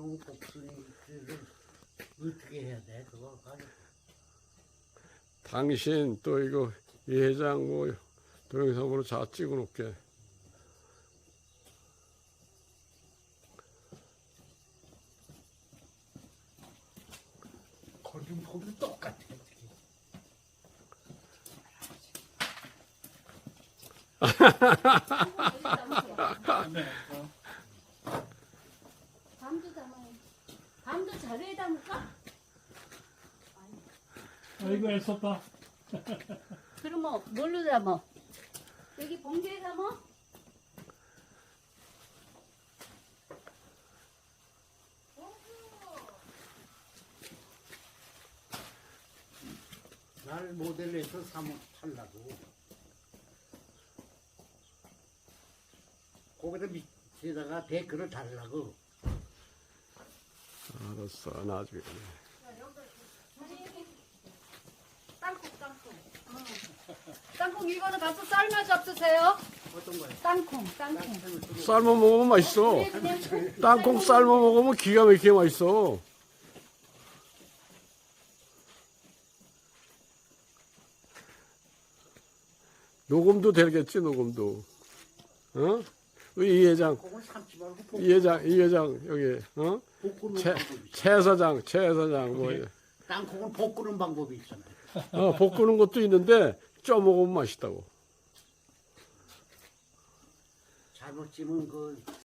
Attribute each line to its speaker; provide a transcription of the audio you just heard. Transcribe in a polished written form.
Speaker 1: 너무 복순이 그걸 어떻게 해야 돼? 그거 가지고.
Speaker 2: 당신 또 이거 이 회장 뭐 동영상으로 다 찍어 놓게.
Speaker 1: 거긴 보면 똑같아.
Speaker 3: 밤도 담아요. 밤도 자루에 담을까?
Speaker 4: 아이고 애썼다.
Speaker 3: 그럼 뭐 뭘로 담아? 여기 봉지에 담아?
Speaker 1: 날 모델에서 살라고. 거기다 밑에다가 댓글을 달라고.
Speaker 2: 알았어, 나중에.
Speaker 3: 땅콩 이거는 가서 삶아 잡수세요.
Speaker 1: 어떤 거야?
Speaker 3: 땅콩.
Speaker 2: 삶아 먹으면 맛있어. 땅콩 삶아 먹으면 기가 막히게 맛있어. 녹음도 되겠지, 녹음도. 어? 이 회장,
Speaker 1: 그걸 삶지 말고
Speaker 2: 이 회장, 여기, 어?
Speaker 1: 볶는
Speaker 2: 최
Speaker 1: 방법이 있어.
Speaker 2: 사장, 뭐,
Speaker 1: 땅콩은 볶는 방법이 있잖아요.
Speaker 2: 볶는 것도 있는데, 쪄 먹으면 맛있다고.
Speaker 1: 잘못 찌면 그